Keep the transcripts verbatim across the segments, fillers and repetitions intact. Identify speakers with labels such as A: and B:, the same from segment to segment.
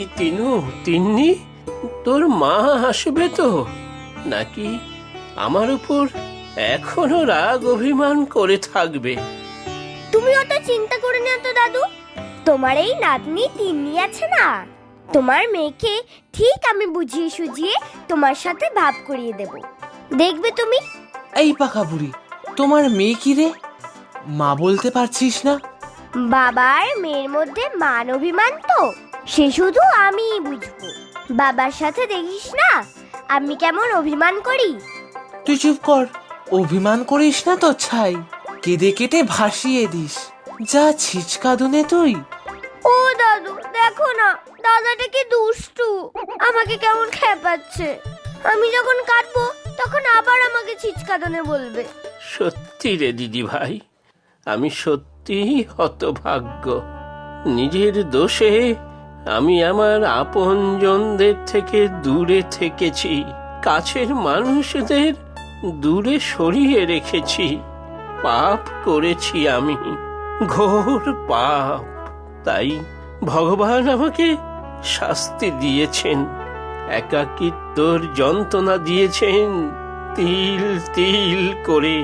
A: তিনু, তিন্নি, তোর মা আসবে তো, নাকি আমার উপর এখনো রাগ অভিমান করে থাকবে?
B: তুমি অত চিন্তা করে না তো দাদু। তোমার এই নাতনি তিন্নি আছে না, তোমার মেয়েকে ঠিক আমি বুঝিয়ে সুঝিয়ে তোমার সাথে ভাব করিয়ে দেব, দেখবে তুমি।
C: এই পাকা বুড়ি, তোমার মেয়ে কি রে? মা বলতে পারছিস না?
B: বাবার মেয়ের মধ্যে মান অভিমান তো সে শুধু আমিই বুঝবো। বাবার সাথে দেখিস না আমি কেমন অভিমান করি।
C: তুই চুপ কর, অভিমান করিস না তো ছাই, কেঁদে কেটে ভাসিয়ে দিস। যা ছিচকা দুনে তুই।
B: ও দাদু দেখো না, দাদাটা কি দুষ্টু, আমাকে কেমন খেপাচ্ছে। আমি যখন কাঁদবো তখন আবার আমাকে ছিচকাদনে বলবে।
A: সত্যি রে দিদি ভাই, আমি সত্যি হতভাগ্য। নিজের দোষে আমি আমার আপনজনদের থেকে দূরে থেকেছি, কাছের মানুষদের দূরে সরিয়ে রেখেছি। পাপ করেছি আমি, ঘোর পাপ। তাই ভগবান আমাকে শাস্তি দিয়েছেন, একাকিত্বর যন্ত্রণা দিয়েছেন তিল তিল করে।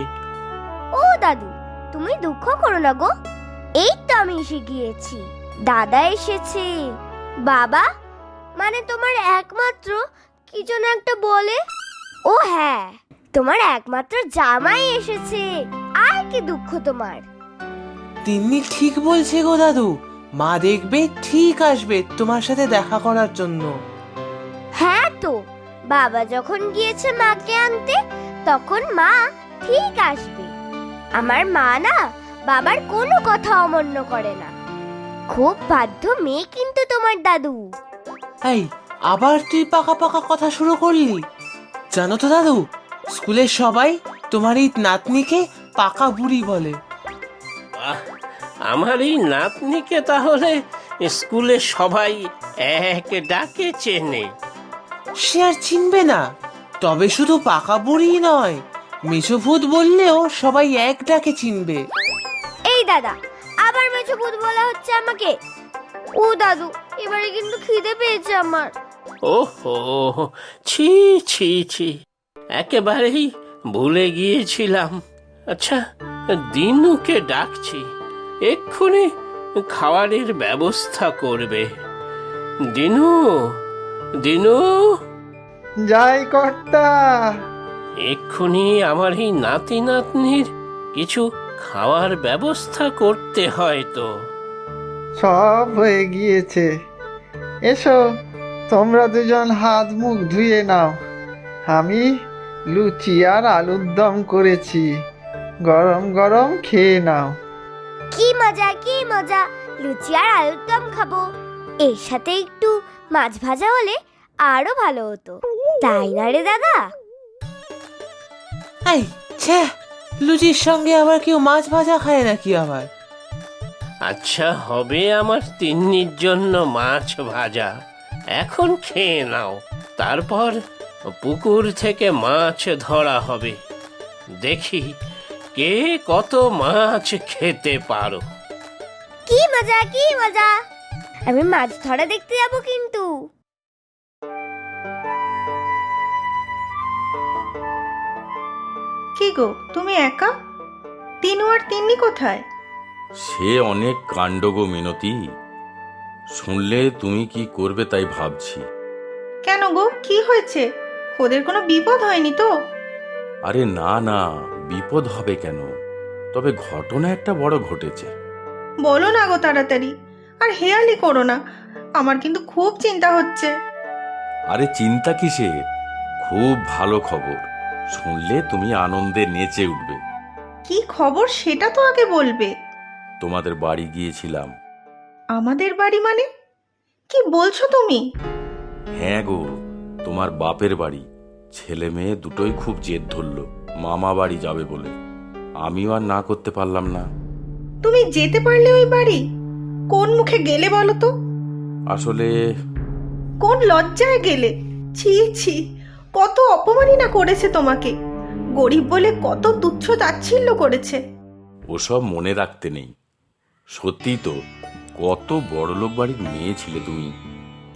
B: ও দাদু তুমি দুঃখ করো না গো, এই তো আমি এসে গিয়েছি। দাদা এসেছে। বাবা মানে তোমার একমাত্র কি যেন একটা বলে। ও হ্যাঁ, তোমার একমাত্র জামাই এসেছে। আর কি দুঃখ তোমার।
C: তিন্নি ঠিক বলছে গো দাদু, মা দেখবে ঠিক আসবে তোমার সাথে দেখা করার জন্য।
B: হ্যাঁ তো, বাবা যখন গিয়েছে মাকে আনতে তখন মা ঠিক আসবে। আমার মা না বাবার কোনো কথা অমান্য করে না। খুব বাধ্য মেয়ে কিন্তু তোমার দাদু।
C: এই আবার তুই পাকা পাকা কথা শুরু করলি? জানো তো দাদু, স্কুলের সবাই তোমার এই নাতনিকে পাকা বুড়ি বলে।
A: আহ, আমার এই নাতনিকে তাহলে স্কুলে সবাই এক ডাকে চেনে?
C: সে আর চিনবে না, তবে শুধু পাকা বুড়ি নয়, মেছোভূত বললেও সবাই এক ডাকে চিনবে।
B: এই দাদা, আবার মেছো ভূত বলা হচ্ছে আমাকে। ও দাদু এবারে কিন্তু খিদে পেয়েছে আমার।
A: ওহো, ছি ছি ছি, একেবারেই ভুলে গিয়েছিলাম। আচ্ছা, দিনুকে ডাকছি, এক্ষুনি খাবারের ব্যবস্থা করবে। দিনু, দিনু,
D: যাই কর্তা।
A: এক্ষুনি আমার এই নাতি নাতনির কিছু খাওয়ার ব্যবস্থা করতে হয় তো।
D: সব হয়ে গিয়েছে, এসো তোমরা দুজন হাত মুখ ধুয়ে নাও। আমি লুচি আর আলুর দম করেছি, গরম গরম খেয়ে নাও।
B: কি মজা কি মজা, লুচি আর আলুর দম খাবো। এর সাথে একটু মাছ ভাজা হলে আরো ভালো হতো, তাই না রে দাদা?
C: এই ছ্যা, লুচির সঙ্গে আবার কেউ মাছ ভাজা খায় নাকি আবার?
A: আচ্ছা, হবে আমার তিন্নির জন্য মাছ ভাজা, এখন খেয়ে নাও। তারপর পুকুর থেকে মাছ ধরা হবে, দেখি কে কত মাছ খেতে পারো।
B: কি মজা কি মজা, আমি মাছ ধরা দেখতে যাব কিন্তু।
E: কি গো তুমি একা? তিনু আর তিন্নি কোথায়?
F: সে অনেক কাণ্ড গো মিনতি, শুনলে তুমি কি করবে তাই ভাবছি।
E: কেন গো, কি হয়েছে? ওদের কোনো বিপদ হয়নি তো?
F: আরে না না, বিপদ হবে কেন, তবে ঘটনা একটা বড় ঘটেছে।
E: বলো না গো তাড়াতাড়ি, আর হেয়ালি করো না, আমার কিন্তু খুব চিন্তা হচ্ছে।
F: আরে চিন্তা কিসের, খুব ভালো খবর, শুনলে তুমি আনন্দে নেচে উঠবে।
E: কি খবর সেটা তো আগে বলবে।
F: তোমাদের বাড়ি গিয়েছিলাম।
E: আমাদের বাড়ি মানে? কি বলছো তুমি?
F: হ্যাঁ গো, তোমার বাপের বাড়ি। ছেলে মেয়ে দুটোই খুব জেদ ধরলো মামা বাড়ি যাবে বলে, আমিও আর না করতে পারলাম না।
E: তুমি যেতে পারলে ওই বাড়ি? কোন মুখে গেলে বলো তো?
F: আসলে
E: কোন লজ্জায় গেলে? ছি ছি, কত অপমাননা করেছে তোমাকে, গরিব বলে কত তুচ্ছ তাচ্ছিল্য করেছে।
F: ওসব মনে রাখতে নেই, সত্যি তো, কত বড়লোক বাড়ির মেয়ে ছিলে তুমি।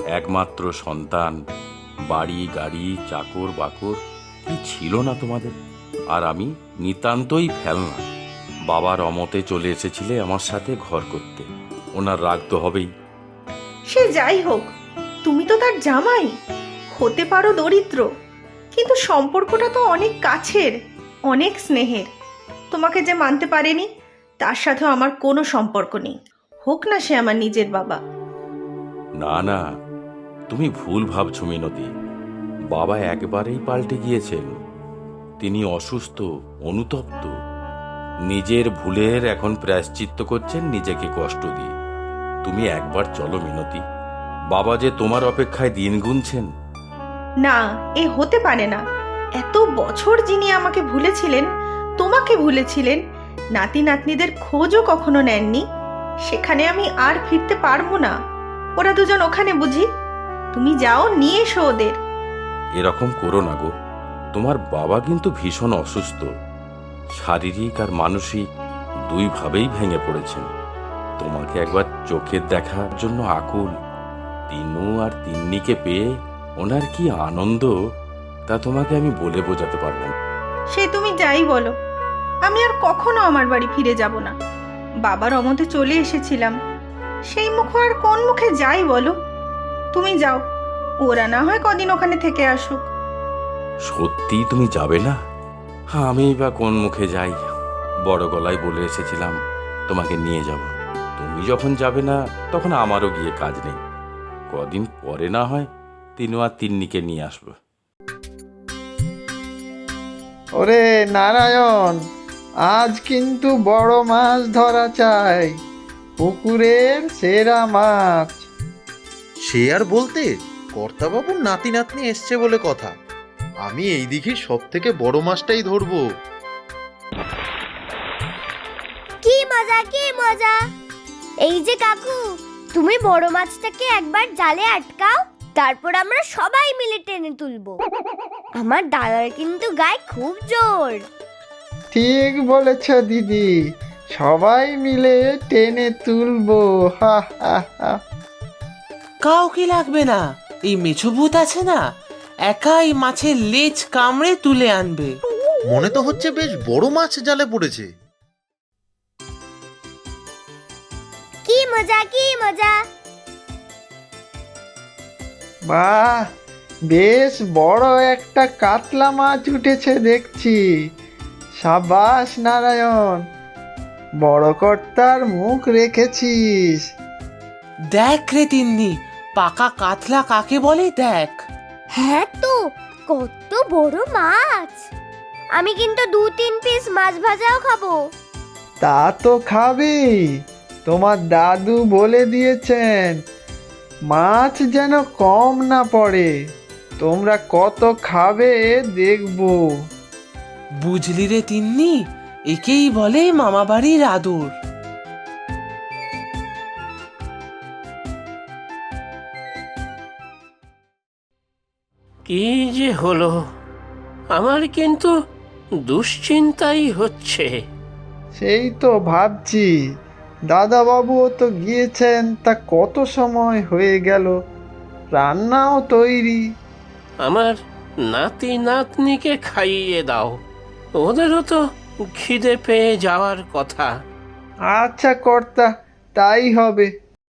F: একমাত্র সন্তান, বাড়ি গাড়ি চাকর বাকর কি ছিল না তোমাদের? আর আমি নিতান্তই ফেলনা। বাবার অমতে চলে এসেছিলে আমার সাথে ঘর করতে, ওনার রাগ তো হবেই।
E: সে যাই হোক, তুমি তো তার জামাই। হতে পারো দরিদ্র, কিন্তু সম্পর্কটা তো অনেক কাছের, অনেক স্নেহের। তোমাকে যে মানতে পারেনি তার সাথেও আমার কোনো সম্পর্ক নেই, হোক না সে আমার নিজের বাবা।
F: না না, তুমি ভুল ভাবছো মিনতি। বাবা একবারেই পাল্টে গিয়েছেন। তিনি অসুস্থ, অনুতপ্ত, নিজের ভুলের এখন প্রায়শ্চিত্ত করছেন নিজেকে কষ্ট দিয়ে। তুমি একবার চলো মিনতি, বাবা যে তোমার অপেক্ষায় দিন গুনছেন।
E: না, এ হতে পারে না। এত বছর যিনি আমাকে ভুলেছিলেন, তোমাকে ভুলেছিলেন, নাতি নাতনিদের খোঁজও কখনো নেননি, সেখানে আমি আর ফিরতে পারবো না। ওরা দুজন ওখানে বুঝি? তুমি যাও, নিয়ে এসো ওদের।
F: এরকম করো না গো, তোমার বাবা কিন্তু ভীষণ অসুস্থ, শারীরিক আর মানসিক দুইভাবেই ভেঙে পড়েছেন। তোমাকে একবার চোখের দেখার জন্য আকুল। তিনু আর তিন্নিকে পেয়ে ওনার কি আনন্দ, তা তোমাকে আমি বলে বোঝাতে পারবো না।
E: সে তুমি যাই বলো, আমি আর কখনো আমার বাড়ি ফিরে যাব না। বাবার অমতে চলে এসেছিলাম, সেই মুখে আর কোন মুখে যাই বলো? তুমি যাও, ওরা না হয় কদিন ওখানে থেকে আসুক।
F: সত্যি তুমি যাবে না? হ্যাঁ, আমি বা কোন মুখে যাই? বড় গলায় বলে এসেছিলাম তোমাকে নিয়ে যাব। তুমি যখন যাবে না তখন আমারও গিয়ে কাজ নেই। কদিন পরে না হয় তিনু আর তিন্নিকে নিয়ে আসবো।
D: ওরে নারায়ণ, আজ কিন্তু বড় মাছ ধরা চাই, পুকুরের সেরা মাছ।
G: সে আর বলতে, কর্তাবাবুর নাতি নাতনি এসছে বলে কথা। আমি এই দিঘির সব থেকে বড় মাছটাই ধরবো।
B: কি মজা, কি মজা! এই যে কাকু, তুমি বড় মাছটাকে একবার জালে আটকাও, তারপর আমরা সবাই মিলে টেনে তুলবো। আমার দাদার কিন্তু গায়ে খুব জোর।
D: ঠিক বলেছ দিদি, সবাই মিলে টেনে তুলবো। হা হা হা।
C: কাউকে লাগবে না, এই মেছো ভূত আছে না, একাই মাছের লেজ কামড়ে তুলে আনবে।
G: মনে তো হচ্ছে বেশ বড় মাছ জালে পড়েছে।
B: কি মজা, কি মজা!
D: বাহ, বেশ বড় একটা কাতলা মাছ উঠেছে দেখছি। সাবাস নারায়ণ, বড় কর্তার মুখ রেখেছিস।
C: দেখ রে তিন্নি, পাকা কাতলা কাকে বলে দেখ।
B: হ্যাঁ তো, কত বড় মাছ! আমি কিন্তু দু তিন পিস মাছ ভাজাও খাবো।
D: তা তো খাবি, তোমার দাদু বলে দিয়েছেন মাছ যেন কম না পড়ে। তোমরা কত খাবে দেখবো।
C: বুঝলি রে তিন্নি, একেই বলে মামা বাড়ির আদর।
A: কি যে হলো, আমার কিন্তু দুশ্চিন্তাই হচ্ছে।
D: সেই তো ভাবছি, দাদাবাবুও তো গিয়েছেন, তা কত সময় হয়ে গেল, রান্নাও তৈরি।
A: আমার নাতি নাতনিকে খাইয়ে দাও, ওদেরও তো খিদে পেয়ে যাওয়ার কথা।
D: আচ্ছা কর্তা, তাই হবে।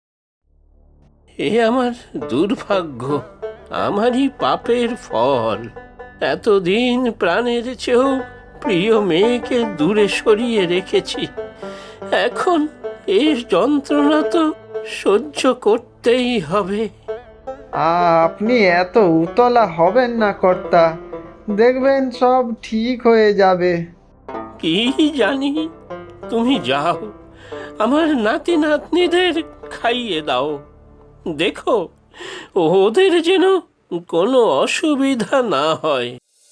A: এ আমার দুর্ভাগ্য, আমারই পাপের ফল। এতদিন প্রাণের চেয়েও প্রিয় মেয়েকে দূরে সরিয়ে রেখেছি, এখন এর যন্ত্রণা তো সহ্য করতেই হবে।
D: আপনি এত উতলা হবেন না কর্তা, দেখবেন সব ঠিক হয়ে যাবে।
A: কি জানি, তুমি যাও, আমার নাতি নাতনিদের খাইয়ে দাও। দেখো ওদের যেন কোনো অসুবিধা না হয়।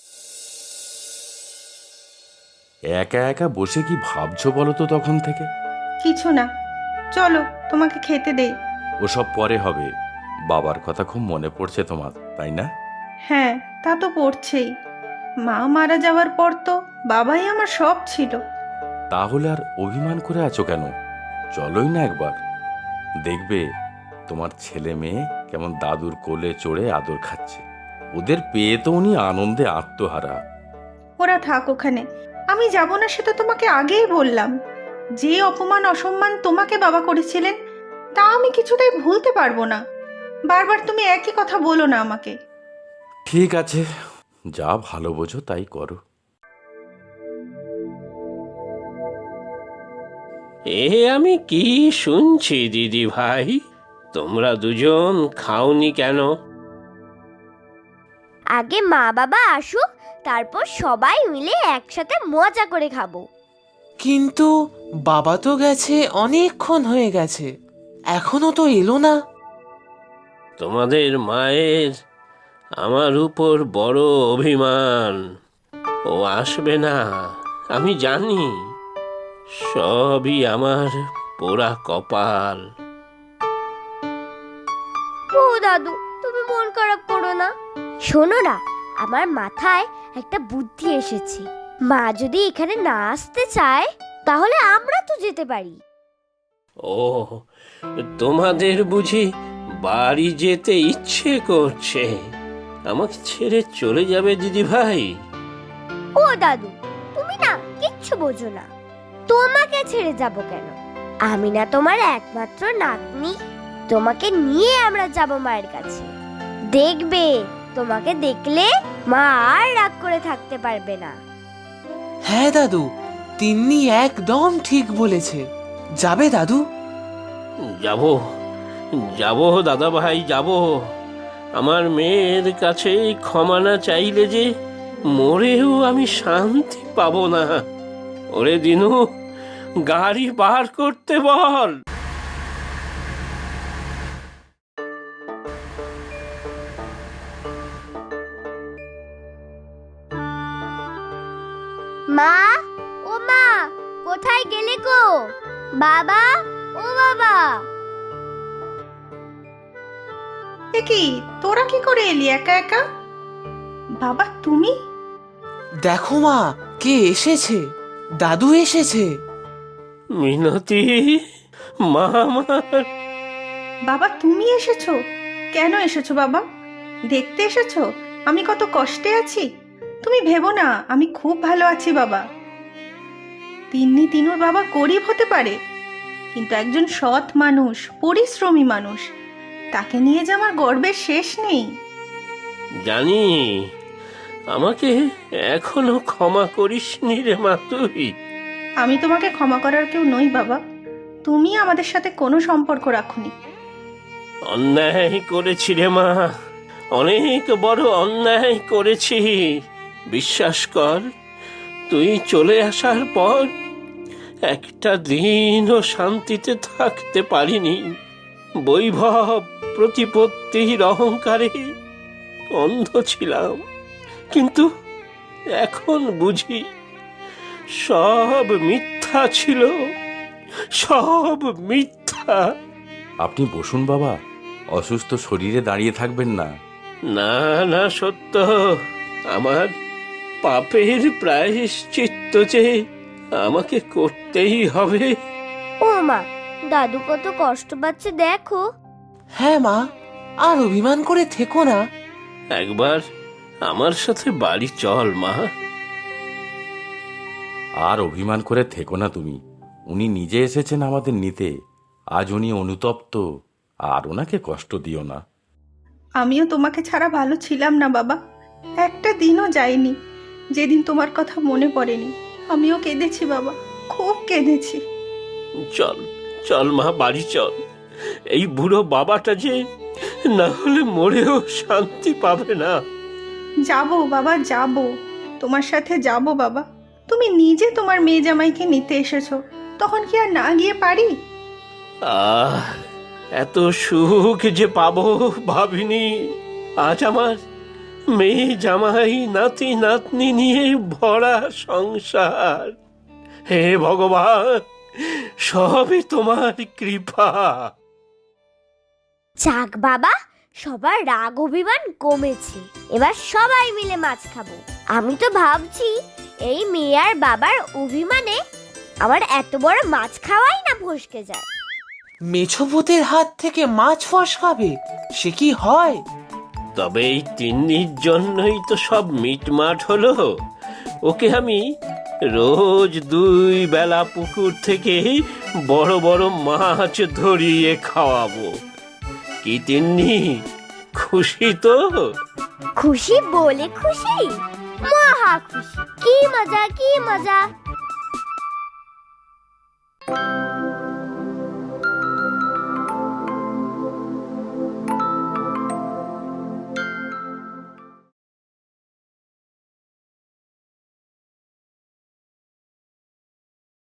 F: একা একা বসে কি ভাবছো বলো তো তখন থেকে?
E: কিছু না, চলো তোমাকে খেতে দেই।
F: ওসব পরে হবে। বাবার কথা খুব মনে পড়ছে তোমার, তাই না?
E: হ্যাঁ, তা তো পড়ছেই। মা মারা যাওয়ার পর তো বাবাই আমার সব ছিল।
F: তাহলে আর অভিমান করে আছো কেন? চলোই না একবার, দেখবে তোমার ছেলে মেয়ে কেমন দাদুর কোলে চড়ে আদর খাচ্ছে। ওদের পেয়ে তো উনি আনন্দে আত্মহারা।
E: ওরা থাক ওখানে, আমি যাব না সেটা তোমাকে আগেই বললাম। যে অপমান অসম্মান তোমাকে বাবা করেছিলেন তা আমি কিছুতেই ভুলতে পারবো না। বারবার তুমি একই কথা বলো না আমাকে।
F: ঠিক আছে, যা ভালো বোঝো তাই করো।
A: এ আমি কি শুনছি দিদি ভাই, তোমরা দুজন খাওনি কেন?
B: আগে মা বাবা আসুক, তারপর সবাই মিলে একসাথে মজা করে খাবো।
C: কিন্তু বাবা তো গেছে, অনেকক্ষণ হয়ে গেছে, এখনো তো এলো না।
A: তোমাদের মায়ের আমার উপর বড় অভিমান, ও আসবে না আমি জানি। সবই আমার পোড়া কপাল।
B: ও দাদু, তুমি মন খারাপ করো না। শোনো না, আমার মাথায় একটা বুদ্ধি এসেছে। মা যদি এখানে না আসতে চায় তাহলে আমরা তো যেতে পারি।
A: ও, তোমাদের বুঝি বাড়ি যেতে ইচ্ছে করছে? আমাকে ছেড়ে চলে যাবে দিদি ভাই?
B: ও দাদু, তুমি না কিচ্ছু বোঝো না। তোমাকে ছেড়ে যাব কেন? আমি না তোমার একমাত্র নাতনি। তোমাকে নিয়ে আমরা যাব মায়ের কাছে। দেখবে, তোমাকে দেখলে মা আর রাগ করে থাকতে পারবে না।
C: হ্যাঁ দাদু, তিন্নি একদম ঠিক বলেছে। যাবে দাদু?
A: যাব, যাব দাদা ভাই, যাব। আমার মেয়ের কাছে ক্ষমা না চাইলে যে মরেও আমি শান্তি পাবো না। ওরে দিনু, গাড়ি বার করতে বল।
B: মা, ও মা, কোথায় গেলে গো? বাবা, ও বাবা।
E: এ কি, তোরা কি করে এলি একা একা? বাবা তুমি?
C: দেখো মা, কে এসেছে। দাদু এসেছে।
A: মিনতি, মা আমার।
E: বাবা তুমি এসেছো? কেন এসেছো বাবা? দেখতে এসেছো আমি কত কষ্টে আছি? তুমি ভেবো না, আমি খুব ভালো আছি বাবা। তিন্নি তিনুর বাবা গরিব হতে পারে, কিন্তু একজন সৎ মানুষ, পরিশ্রমী মানুষ। তাকে নিয়ে যে আমার গর্বের শেষ নেই।
A: জানি, আমাকে এখনো ক্ষমা করিসনি রে মা তুই।
E: আমি তোমাকে ক্ষমা করার কেউ নই বাবা। তুমি আমাদের সাথে কোনো সম্পর্ক রাখোনি।
A: অন্যায় করেছি রে মা, অনেক বড় অন্যায় করেছি। বিশ্বাস কর, তুই চলে আসার পর একটা দিনও শান্তিতে থাকতে পারিনি। বৈভব প্রতিপত্তির অহংকারে অন্ধ ছিলাম, কিন্তু এখন বুঝি সব মিথ্যা ছিল, সব মিথ্যা।
F: আপনি বসুন বাবা, অসুস্থ শরীরে দাঁড়িয়ে থাকবেন না।
A: না না, সত্য, আমার পাপের প্রায়শ্চিত্ত যে আমাকে করতেই হবে।
B: ও মা, দাদু কত কষ্ট পাচ্ছে দেখো।
C: হ্যাঁ মা, আর অভিমান করে থেকো না।
A: একবার আমার সাথে বাড়ি চল মা।
F: আর অভিমান করে থেকো না তুমি। উনি নিজে এসেছেন আমাদের নিতে। আজ উনি অনুতপ্ত, আর ওনাকে কষ্ট দিও না।
E: আমিও তোমাকে ছাড়া ভালো ছিলাম না বাবা। একটা দিনও যায়নি যেদিন তোমার কথা মনে পড়েনি। আমিও কেঁদেছি বাবা, খুব কেঁদেছি।
A: চল চল মা, বাড়ি চল। এই বুড়ো বাবাটা যে না হলে মরেও শান্তি পাবে না।
E: যাবো বাবা, যাবো, তোমার সাথে যাবো বাবা। তুমি নিজে তোমার মেয়ে জামাইকে নিতে এসেছো, তখন কি আর না গিয়ে পারি?
A: আহ, এত সুখ যে পাবো ভাবিনি। আজ আমার মেয়ে জামাই নাতি নাতনি নিয়ে ভরা সংসার। হে ভগবান, সবই তোমার কৃপা।
B: যাক বাবা, সবার রাগ অভিমান কমেছে। এবার সবাই মিলে মাছ খাবো। আমি তো ভাবছি এই মেয়ে আর বাবার অভিমানে আমার এত বড় মাছ খাওয়াই না ফসকে যায়।
C: মেছভূতের হাত থেকে মাছ ফসকাবে, সে কি হয়?
A: তবে এই তিন্নির জন্যই তো সব মিটমাট হলো। ওকে আমি রোজ দুই বেলা পুকুর থেকে বড় বড় মাছ ধরিয়ে খাওয়াবো। কি তিন্নি, খুশি তো?
B: খুশি বলে খুশি, মহা খুশি। কি মজা, কি মজা।